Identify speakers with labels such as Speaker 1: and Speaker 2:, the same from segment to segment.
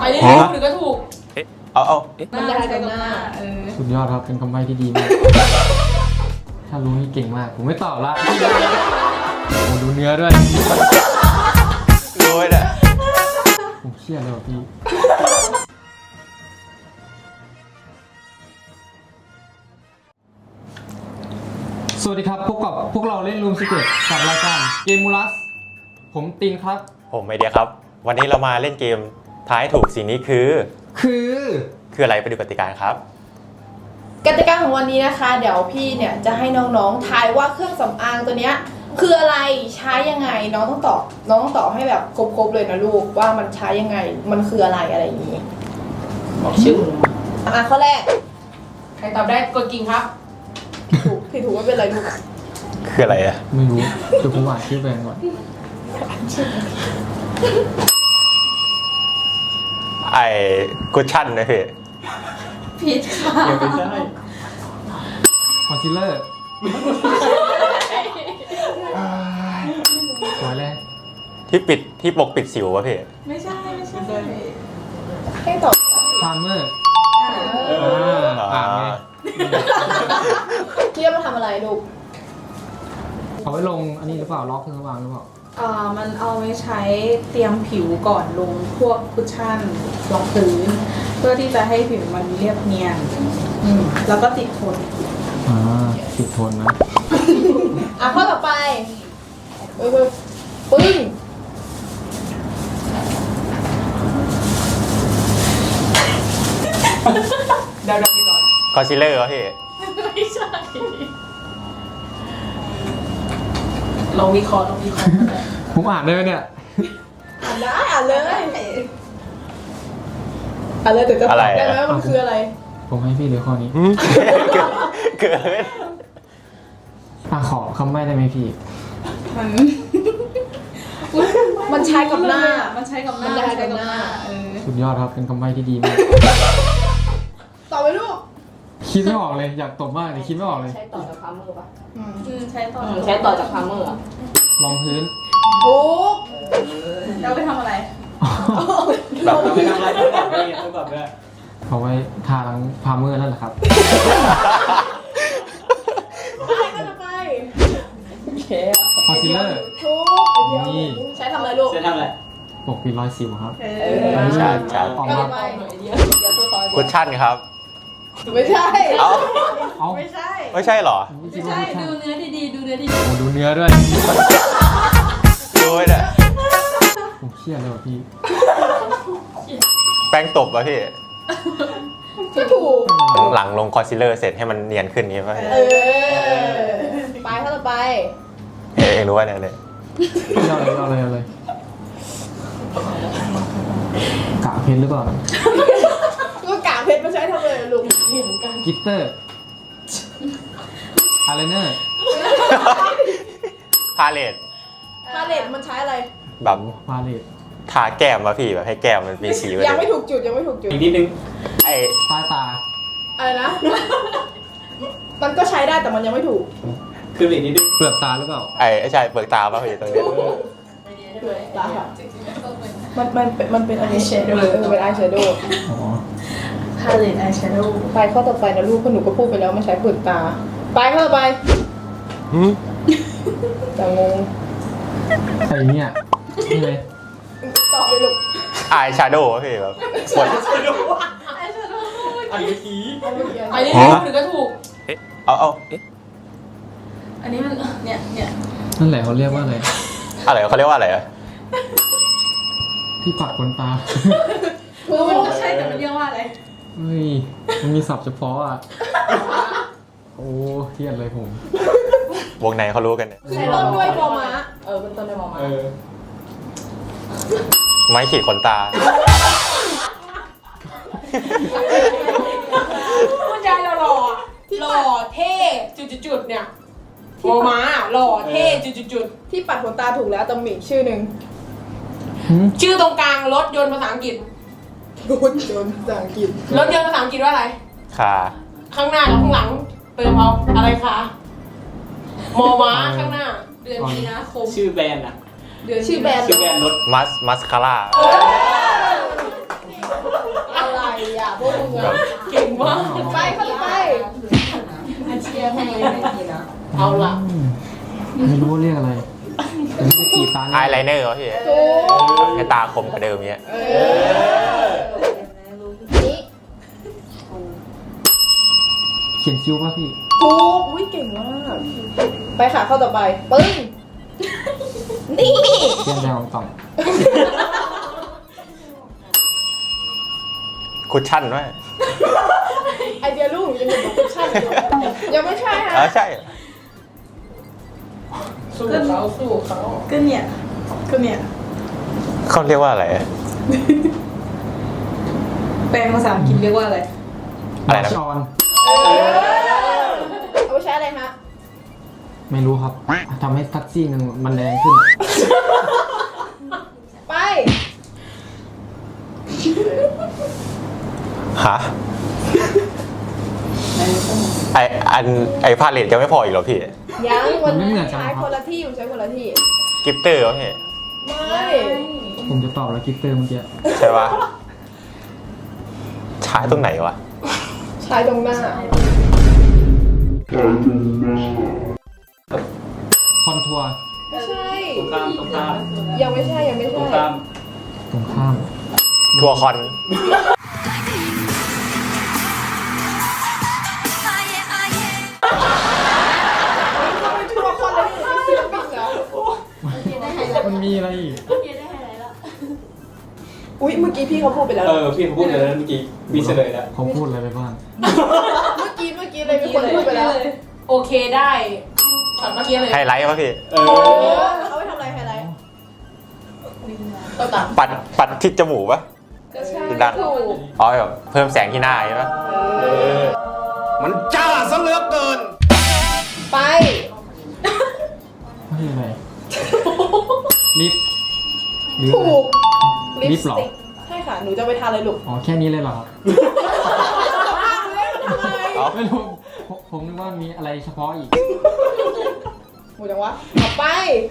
Speaker 1: เรื่อยๆหรือก็ถูก
Speaker 2: เอา
Speaker 1: มันได้กับหน้า
Speaker 3: สุดยอดครับเป็นคำใบ้ที่ดีมากถ้ารู้นี่เก่งมากผมไม่ตอบละโอ้ดูเนื้อด้วย
Speaker 2: รู้ไหมเนี่ย
Speaker 3: ผมเครียดเลยว่ะพี่สวัสดีครับพบกับพวกเราเล่นรูมสเก็ตกับรายการเกมมูลัสผมตินครับ
Speaker 2: ผมไอเดียครับวันนี้เรามาเล่นเกมทายถูกสิ่งนี้คืออะไรไปดูกติกาครับ
Speaker 1: กติกาของวันนี้นะคะเดี๋ยวพี่เนี่ยจะให้น้องๆทายว่าเครื่องสำอางตัวเนี้ยคืออะไรใช้ยังไงน้องต้องตอบให้แบบครบๆเลยนะลูกว่ามันใช้ยังไงมันคืออะไรอย่างนี้บอกชื่อข้อแรกใครตอบได้กดกิ่งครับผิดถูกไม่เป็นไรลูก
Speaker 2: คืออะไรอะ
Speaker 3: ไม่รู้เดี๋ยวผมอ่านชื่อแบรนด์ก่อน
Speaker 2: ไอ้คุชชั่นนะพี่
Speaker 1: ผิดค่ะ
Speaker 2: ไม่ใช่
Speaker 3: คอนซีลเลอร์สวยเลย
Speaker 2: ที่ปกปิดสิววะพี่
Speaker 1: ไม่ใช่ให้ตอบ
Speaker 3: พาร์เมอร์
Speaker 2: อ่า
Speaker 1: พี่จะมาทำอะไรลูก
Speaker 3: เขาไว้ลงอันนี้หรือเปล่าล็อกเครื่องสว่างหรือเปล่า
Speaker 4: มันเอาไว้ใช้เตรียมผิวก่อนลงพวกคุชชั่นรองพื้นเพื่อที่จะให้ผิวมันเรียบเนียนแล้วก็ติดทน
Speaker 3: ติดทนนะ
Speaker 1: ข้อต่อไปปึ้งเดาๆไปก่อน
Speaker 2: คอนซีลเลอร์วะพี่
Speaker 1: ไม่ใช่
Speaker 4: ลองวิเคราะห์
Speaker 3: ผมอ่านได้ไหมเนี่ย
Speaker 1: อ่านเลยแต่จะตอบได้ไหมว่ามันคืออะไร
Speaker 3: ผมให้พี่เดี๋ยวข้อนี้
Speaker 2: เกิน
Speaker 3: ขอคำใบ้ได้ไหมพี่
Speaker 1: มันใช้กับหน้า
Speaker 4: มันใช้กับหน้า
Speaker 3: สุดยอดครับเป็นคำใบ้ที่ดีมาก
Speaker 1: ตอบไปลูก
Speaker 3: คิดไม่ออกเลยอยากตบมากแต่คิดไม่ออกเลย
Speaker 5: ใช้ต่อจากพาร์เมอร์ป่ะ
Speaker 4: ใช้
Speaker 5: ต่อจากพาร์เมอร์
Speaker 3: รองพื้น
Speaker 1: ถูก
Speaker 4: เราไปทำอะไร
Speaker 2: แบบ
Speaker 3: ไม่ทำอะไรต้องตอบด้วยเอาไว้ทาล้างพาร์เมอร์นั่นแหละครับ
Speaker 1: ไป
Speaker 3: คอนซีลเลอร์
Speaker 1: ถูกนี่ใช้ทำอะไรลูก
Speaker 3: ใช้ทำอะไรปกปิดรอยสิวครับ
Speaker 2: ใช่
Speaker 3: ออกมา
Speaker 2: คุชชั่นครับ
Speaker 1: ไม่ใช่
Speaker 2: ไม่ใช่เหรอ
Speaker 4: ไม่ใช่ดูเนื้อดีๆดูเนื้อดี
Speaker 3: ๆดูเนื้อด้วย
Speaker 2: รู้ไหมเนี่ย
Speaker 3: ผมเครียดเลยว่ะพี่
Speaker 2: แป้งตบวะพี่
Speaker 1: ก็ถูก
Speaker 2: หลังลงคอนซีลเลอร์เสร็จให้มันเนียนขึ้นนี้ป่ะ
Speaker 1: ไปข้อต่อไป
Speaker 2: เองรู้ว่าเนี่ย
Speaker 3: เอาเลยกะเพชรหรือเปล่า
Speaker 1: ก็กะเพชรไม่ใช่ทำเลยลุง
Speaker 3: กิตเตอร์อายไลเนอร์
Speaker 2: พาเลต
Speaker 1: มันใช้อะไร
Speaker 2: แบบ
Speaker 3: พาเลต
Speaker 2: ทาแก้มวะพี่แบบให้แก้มมันมีสี
Speaker 1: ยังไม่ถูกจุด
Speaker 3: อีกนิดนึง
Speaker 2: ไอ้
Speaker 3: ใต้ตา
Speaker 1: อะไรนะมันก็ใช้ได้แต่มันยังไม่ถูก
Speaker 3: คืออีกนิดนึงเปลือกตาหรือเปล่า
Speaker 2: ใช่เปลือกตาป่ะพี่ตรงนี้
Speaker 1: เปลือกตามันเป็นอายแชโดว์เป็นอายแชโดว์
Speaker 4: พาเลตอายแชโดว์
Speaker 1: ไปข้อต่อไปนะลูกหนูก็พูดไปแล้วมันใช้เปลือกตาไปข้อต่อไปแต่งง
Speaker 3: ไอ้เนี่ยนี่เลย
Speaker 1: ตอบไปลูก
Speaker 2: อายแชโดว์พี่แบบ
Speaker 1: ปวด
Speaker 3: อันนี้ที
Speaker 1: อันนี้หรือก็ถูก
Speaker 2: เอา
Speaker 4: อันนี้มันเนี่ย
Speaker 3: นั่นแหละเขาเรียกว่าอะไร
Speaker 2: เขาเรียกว่าอะไรอะ
Speaker 3: ที่ปัดขนตา
Speaker 4: มันก็ใช่แต่มันเรียกว่าอะไร
Speaker 3: เฮ้ยมันมีศัพท์เฉพาะอ่ะโอ้เครียดเลยผม
Speaker 2: วงในเขารู้กันเนี่ย
Speaker 1: ใช้ต้นด้วยมอม้าเป็นต้นด้วยมอม้า
Speaker 2: ไม้ขีดขนตา
Speaker 1: ผู้ชายหล่อเท่จุดเนี่ยมอม้าหล่อเท่จุดที่ปัดขนตาถูกแล้วแต่มีชื่อหนึ่งชื่อตรงกลางรถยนต์ภาษาอังกฤษรถยนต์ภาษาอังกฤษว่าอะไรข้างหน้ากับข้างหลังเติมเอาอะไรคะมอม้าข้างหน้าเดือนมีนาคม
Speaker 3: ชื่อแบรนด์อะ
Speaker 1: ชื่อแบรนด์
Speaker 3: รถ
Speaker 2: มัสคาร่า
Speaker 1: เอาล่ะ
Speaker 3: ไม่รู้ว่าเรียกอะไรแต่ไม่ได้กีบตา
Speaker 2: อาย
Speaker 3: เนี่ย
Speaker 2: ไลเนอร์วะพี่
Speaker 1: ถูก
Speaker 2: ให้ตาคมกว่าเดิมเนี้ย
Speaker 1: นี่
Speaker 3: เขียนคิ้วป่ะพี่
Speaker 1: ถูกอุ้ยเก่งมาก ไปค่ะข้อต่อไป ปึ้ง นี่
Speaker 3: เขียนแดงของต่อง
Speaker 2: คุชชั่นไหม
Speaker 1: ไอเดียลูกยังอยู่กับคุชชั่นอยู่ยังไม่ใช่ฮะ
Speaker 2: ใช่
Speaker 1: สู้เขาสู้เขา
Speaker 4: ก็เนี่ย
Speaker 2: เขาเรียกว่าอะไร
Speaker 4: แปลภาษาอังกฤษเรียกว่าอะไร
Speaker 2: อะไรนะ
Speaker 3: ชอน
Speaker 1: เอาไปใช้อะไรฮะ
Speaker 3: ไม่รู้ครับทำให้ทักซี่หนึ่งมันแรงขึ้น
Speaker 1: ไป
Speaker 2: ฮะไอพาเลตยังไม่พออีกเหรอพี่
Speaker 1: ยังวัน
Speaker 3: มันไม่
Speaker 1: นี้
Speaker 3: เหมือนกัน
Speaker 1: ใช้
Speaker 3: ครับ
Speaker 1: คนละที่ใช้คนละที่
Speaker 2: กิฟเตอร์วะพี่
Speaker 1: ไม่
Speaker 3: ผมจะตอบแล้วกิฟเตอร์เมื่อกี้
Speaker 2: ใช่ปะใช้ตรงไหนวะ
Speaker 1: ใช้ตรงหน้า
Speaker 3: คอนทัวร์
Speaker 1: ไม่ใช่
Speaker 6: ตรงข้าม
Speaker 1: ยังไม่ใช่ยังไม่
Speaker 6: ตร
Speaker 1: ใช่
Speaker 6: งข้าม
Speaker 3: ตรงข้าม
Speaker 2: ทัวร์คอน
Speaker 1: เขาไปทัวร์คนเลยไม่ศิลปินเหรอ
Speaker 3: มันมีอะไรอีก
Speaker 1: อุ๊ยเมื่อกี้พี่เขาพูดไปแล้ว
Speaker 6: พี่เขาพูดเลยนะเมื่อกี้มีเฉลยแล้ว
Speaker 3: เขาพูดอะไรไปบ้าง
Speaker 1: เมื่อกี้เลยมีคนพูดไปแล้ว โอเคได้ช็อตเมื่อกี้เลย
Speaker 2: ไฮไลท์วะพี่
Speaker 1: เอาไปทำอะไรไฮไลท์ตัวต่ำ
Speaker 2: ปัดที่จมูกปะ
Speaker 1: ก็ใช่
Speaker 2: ดัง
Speaker 1: ถูก
Speaker 2: อ๋อแบบเพิ่มแสงที่หน้าใช่ปะ
Speaker 7: มันจ้าซะเหลือเกิน
Speaker 1: ไป
Speaker 3: ไม่ใช่อะไรลิฟต์หรือ
Speaker 1: ถู
Speaker 3: อะไร
Speaker 1: ก
Speaker 3: ลิปเหรอ
Speaker 1: ใช่ค่ะ หนูจะไปทานอะไรลูก
Speaker 3: อ๋อแค่นี้เลยเหรอครับ
Speaker 2: อ๋อ
Speaker 3: ไม่รู้ผมนึกว่ามีอะไรเฉพาะอีก
Speaker 1: หมูจังวะเอาไป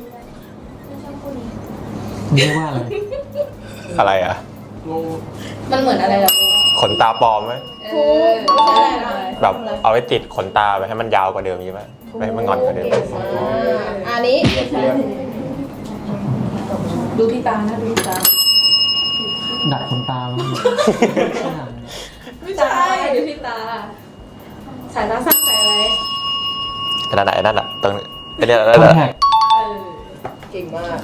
Speaker 3: เรียกว่าอะไร
Speaker 2: อะไรอ่ะ
Speaker 5: มันเหมือนอะไรล่ะ
Speaker 2: ขนตาปลอมไหม
Speaker 1: ถูกไม่ใช่อะไรนะ
Speaker 2: แบบเอาไว้ติดขนตาไปให้มันยาวกว่าเดิมใช่ไหมไม่ให้มันงอนกว่าเดิม
Speaker 1: อันนี้
Speaker 5: ดูที่ตานะดูที่ตา
Speaker 3: ดัดขนตามั้ง
Speaker 1: ไม่ใช่
Speaker 5: ดูที่ตา สายตาสั้นสายอะไร
Speaker 2: นั่นแหละตรงเรียกอะไร
Speaker 3: คอน
Speaker 2: นะ
Speaker 3: แทค
Speaker 1: เก่งมาก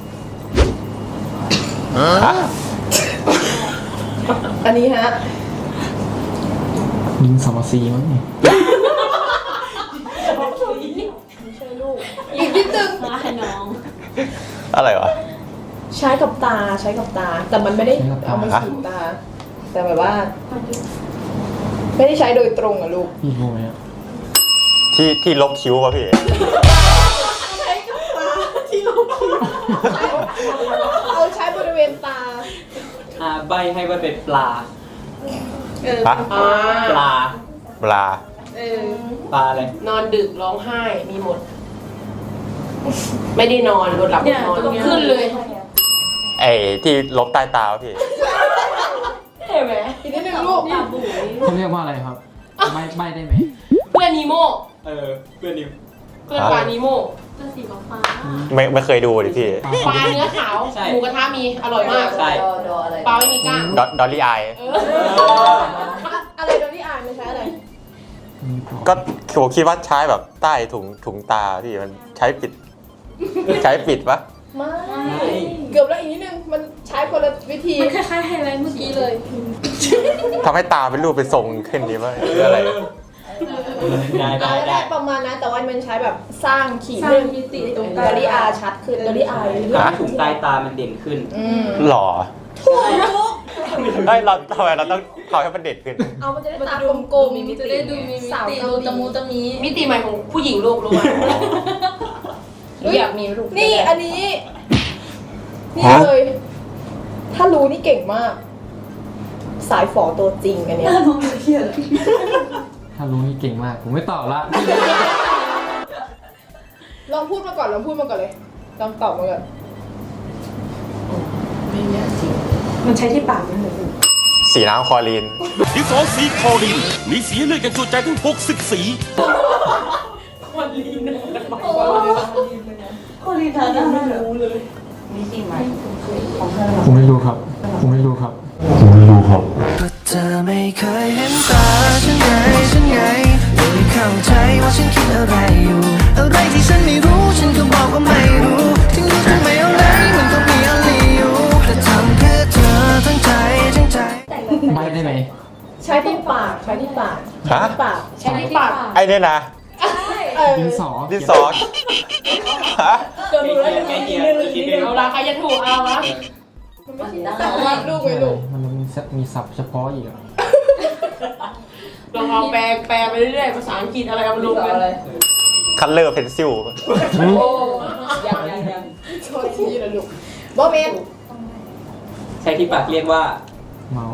Speaker 2: ฮะ
Speaker 1: อันนี้ฮะ
Speaker 3: ยิงสมซีมั้งเนี่ย
Speaker 1: อีกนิดนึง
Speaker 2: อะไรวะ
Speaker 1: ใช้กับตาใช้กับตา แต่มันไม่ได้เอามาฉีดตา แต่แบบว่า ไม่ได้ใช้โดยตรงอะลูก
Speaker 3: พี่รู้ไหมอะ
Speaker 2: ที่ลบคิ้วป่ะพี่
Speaker 1: ใช้กับตาที่ลูกคิ้วเอาใช้บริเวณตา
Speaker 6: ใบให้ว่าเป็นปลา
Speaker 2: ฮะ
Speaker 6: ปลา
Speaker 2: ปลา
Speaker 6: ปลาอะไร
Speaker 1: นอนดึกร้องไห้มีหมด ไม่ได้นอนรถหลับนอนก็ขึ้นเลย
Speaker 2: ไอ้ที่ลบใต้ตาวะพี่
Speaker 1: เห็นไหมอีกนิดนึงลูก
Speaker 3: เขาเรียกว่าอะไรครับใบได้ไหม
Speaker 1: เพื่อนนีโม
Speaker 6: เพื่อนนิว
Speaker 1: เพื่อนปลานีโม
Speaker 2: ไม่เคยดูดิพี่
Speaker 1: ปลาเนื้อขาวหมูกระทะมีอร่อยมาก
Speaker 6: ใช่
Speaker 5: ดออะไร
Speaker 1: ปลาไม่มีกล้าง
Speaker 2: ดอลลี่อาย
Speaker 1: อะไรโดนที่อ่านไม่ใช้อะไร
Speaker 2: ก็ผมคิดว่าใช้แบบใต้ถุงตาพี่มันใช้ปิดปะ
Speaker 1: ไม่ เกือบแล้วอีกนิดนึง มันใช้คนละวิธี
Speaker 5: คล้ายๆไฮไลท์เมื่อกี้เลย
Speaker 2: ทำให้ตาเป็นรูปเป็นทรงขึ้นดีป่ะหรืออะไร
Speaker 6: ได้
Speaker 1: ได้ประมาณนั้นแต่ว่ามันใช้แบบสร้างขีด
Speaker 5: สร้างมิติตรง
Speaker 1: ดอลลี่อาชัดขึ้นดอลลี่อา
Speaker 2: ฮะ
Speaker 6: ถุงใต้ตามันเด่นขึ้น
Speaker 2: หล่อเฮ้ยเราทำไมเราต้องทำให้มันเด็ดขึ้น
Speaker 1: เอามันจะได้ตากลมๆ
Speaker 5: จะได้ดูมีมิ
Speaker 1: สาว
Speaker 5: ติ
Speaker 1: เกา
Speaker 5: ดู
Speaker 1: หลี
Speaker 5: ตะมูตะมี
Speaker 1: มิติใหม่ของผู้หญิงลูกรู้ไหมอยากมีลูกนี่อันนี้ นี่เลย ถ้ารู้นี่เก่งมาก สายฝอตัวจริงอันเนี้ย
Speaker 3: ถ้ารู้นี่เก่งมาก ผมไม่ตอบละ
Speaker 1: ลองพูดมาก่อนเลยลองตอบมาก่อน
Speaker 4: มันใช้ที่ปากนั่นเลย
Speaker 2: สีน้ำคลอรีน
Speaker 7: ดิฟอลสีคอรีนมีสีเลือดกันจุใจถึง60 สี
Speaker 5: พี่ตายังไม่รู้เลย
Speaker 3: ผมไม่รู้ครับ ผมไม่รู้ครับ
Speaker 8: ก็เธอไม่เคยเห็นตาฉันไงไม่เข้าใจว่าฉันคิดอะไรอยู่ อะไรที่ฉันไม่รู้ฉันก็บอกว่าไม่รู้ถึงรู้ถึงไม่เอาไหนมันก็มีอะไรอยู่แต่ทำเพื่อเธอทั้งใจ
Speaker 3: ใบได้ไหม
Speaker 5: ใช้ที่ปากใช้ที่ปาก
Speaker 2: ฮะ
Speaker 5: ปากใช้ที่ปาก
Speaker 2: ไอ้เนี่ยนะ
Speaker 3: ดินสอ
Speaker 2: ดินสอฮะ
Speaker 5: เกินรู้แล้ว
Speaker 6: ใกล้เคียงคิด
Speaker 1: เอาละใครจะถูกเอาละ
Speaker 5: วาดรูปไว้ลูก
Speaker 3: มันมีศัพท์เฉพาะอีกอะ
Speaker 1: ลองแปลไปเรื่อยๆภาษาอังกฤษอะไรเอามาลงกัน
Speaker 2: คัลเลอร์เพนซิล
Speaker 5: ยังโทษทีนะลูกโบเมน
Speaker 6: ใช้ที่ปากเรียกว่า
Speaker 3: เมาส์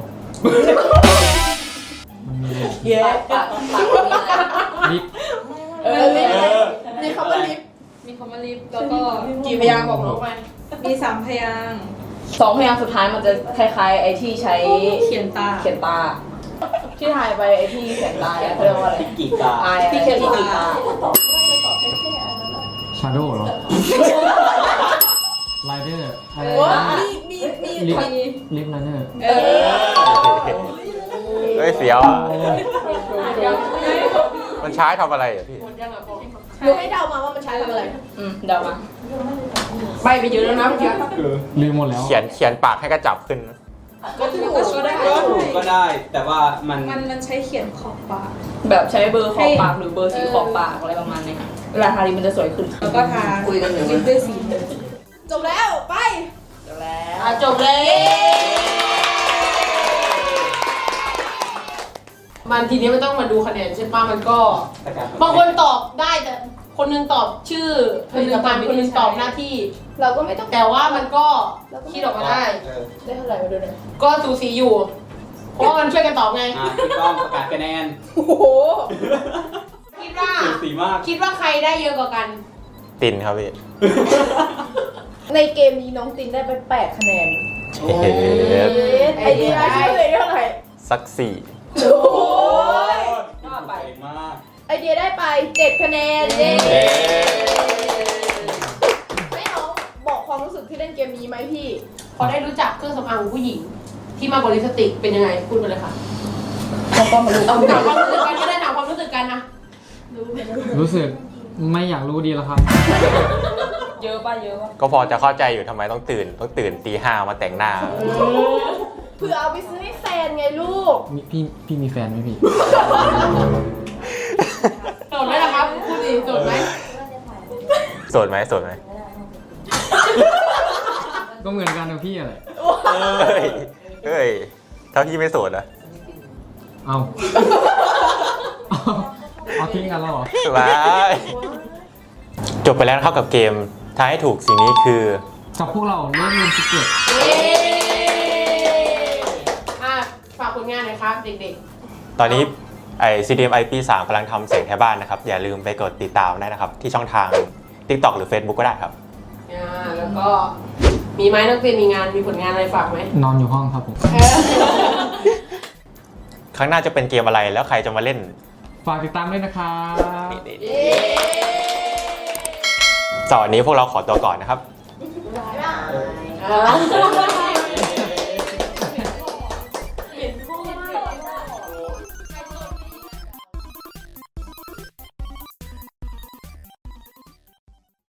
Speaker 3: มันมีเลย
Speaker 5: เย้ปาก
Speaker 3: ลิฟต์
Speaker 5: ลิฟ
Speaker 6: เออ
Speaker 5: มีคำว่าลิฟ
Speaker 4: มีคำว่าลิฟต์แล้วก็
Speaker 1: กี่พยางค์บอกน้องไป
Speaker 4: มี3พยางค์
Speaker 5: 2 พยางค์สุดท้ายมันจะคล้ายๆไอ้ที่ใช้
Speaker 4: เขียนตา
Speaker 5: เขียนตา ที่ถ่ายไปไอ้ที่เขียนตาเนี่ยเขาเรียกว่าอะไร
Speaker 6: ที่กีตา
Speaker 5: ที่เขียนตา
Speaker 3: ชาโดว์เหรอไรเดอร์อะไร
Speaker 5: ว้า
Speaker 3: นะ
Speaker 5: มี
Speaker 3: ลิฟต์ลิฟต์ไรเดอร์
Speaker 2: เฮ้ยเสียวอ่ะมันใช้ทำอะไรอ่ะพี่
Speaker 5: หนูให้เดามาว่ามันใช้ทำอะไรเดามา
Speaker 1: ใบไปเยอะแล้วนะเมื่อกี้
Speaker 3: ลืมหมดแล้ว
Speaker 2: เขียนปากให้กระจับขึ้น
Speaker 4: ก็ถูกก็ได้
Speaker 6: ก็ถูกก็ได้ แต่ว่ามัน
Speaker 4: มันใช้เขียนขอบปาก
Speaker 5: แบบใช้เบอร์ขอบปากหรือเบอร์สีขอบปากอะไรประมาณนี้เวลาทาลิปมันจะสวยขึ้น
Speaker 4: แล้วก็ทา
Speaker 5: คุยกันอยู่
Speaker 4: ลิปด้วยสีจบแล้ว ไป
Speaker 1: จบเลยมันทีนี้ไม่ต้องมาดูคะแนนใช่ป่ะมันก็
Speaker 6: ประกาศ
Speaker 1: บางคนตอบได้แต่คนหนึงตอบชื่อผลิตภัณฑ์คนหนึงตอบหน้าที่
Speaker 5: เราก็ไม่ต้อง
Speaker 1: แต่ว่ามันก็คิดออกมาได้
Speaker 6: เออ
Speaker 5: ได้เท่าไหร่มาดูหน่อย
Speaker 1: ก็สูสีอยู่ เพราะว่ามันช่วยกันตอบไง
Speaker 6: พี่ก้องประกาศคะแนน
Speaker 5: โอ้โห
Speaker 1: คิดว่า
Speaker 6: สูสีมาก
Speaker 1: คิดว่าใครได้เยอะกว่ากัน
Speaker 2: ตินครับพี่
Speaker 5: ในเกมนี้น้องตินได้ไป8 คะแนน
Speaker 2: เฮ้ย
Speaker 5: ไอเดียชื่อเลยเท่าไหร่
Speaker 2: สักสี่
Speaker 5: โอ้ย
Speaker 6: น่าไปมาก
Speaker 5: ไอเดียได้ไป7 คะแนนเย้
Speaker 2: เย้
Speaker 5: ไม่เอาบอกความรู้สึกที่เล่นเกมนี้ไหมพี่
Speaker 1: พอได้รู้จักเครื่องสำอางของผู้หญิง ที่มากกว่าลิปสติกเป็นยังไงพูดมาเลยค่ะ
Speaker 5: ก็มาดู
Speaker 1: เอาถามความรู้สึกกันก็ได้ถามความรู้สึกกันนะ
Speaker 3: รู้สึกไม่อยากรู้ดีแล้วครับ
Speaker 5: เยอะป่ะเยอะป่ะ
Speaker 2: ก็พอจะเข้าใจอยู่ทำไมต้องตื่นตี 5มาแต่งหน้า
Speaker 5: เพื่อเอาไปซื้อให้แฟนไงลูก
Speaker 3: พี่มีแฟนไหมพี่
Speaker 1: โสดไหมล่ะครับพูดดิโสดไหม
Speaker 2: โสดไหมโสดไหม
Speaker 3: ก็เหมือนกันกับพี่อะไร
Speaker 2: เฮ้ยถ้าพี่ไม่โสดอะ
Speaker 3: เอาเอาทิ้งกันแล้วเหรอ
Speaker 2: ว้ายจบไปแล้วนะครับกับเกมทายให้ถูกสิ่งนี้คือ
Speaker 3: กับพวกเราเล่นเรียนสิเก็ต
Speaker 1: ฝากผลงานหน่อยครับเด็ก
Speaker 2: ตอนนี้CDMI ปี 3กำลังทำเสียงแทนบ้านนะครับ อย่าลืมไปกดติดตามได้นะครับ ที่ช่องทาง TikTok หรือ Facebook ก็ได้ครับ
Speaker 1: ๆแล้วก็มีไหมนักเรียนมีงานมีผลงานอะไรฝากไหม
Speaker 3: นอนอยู่ห้องครับผม
Speaker 2: ครั้งหน้าจะเป็นเกมอะไรแล้วใครจะมาเล่น
Speaker 3: ฝากติดตามด้วยนะครับ
Speaker 2: สำหรับวันนี้พวกเราขอตัวก่อนนะครับ
Speaker 5: บ๊ายบาย
Speaker 1: อ่า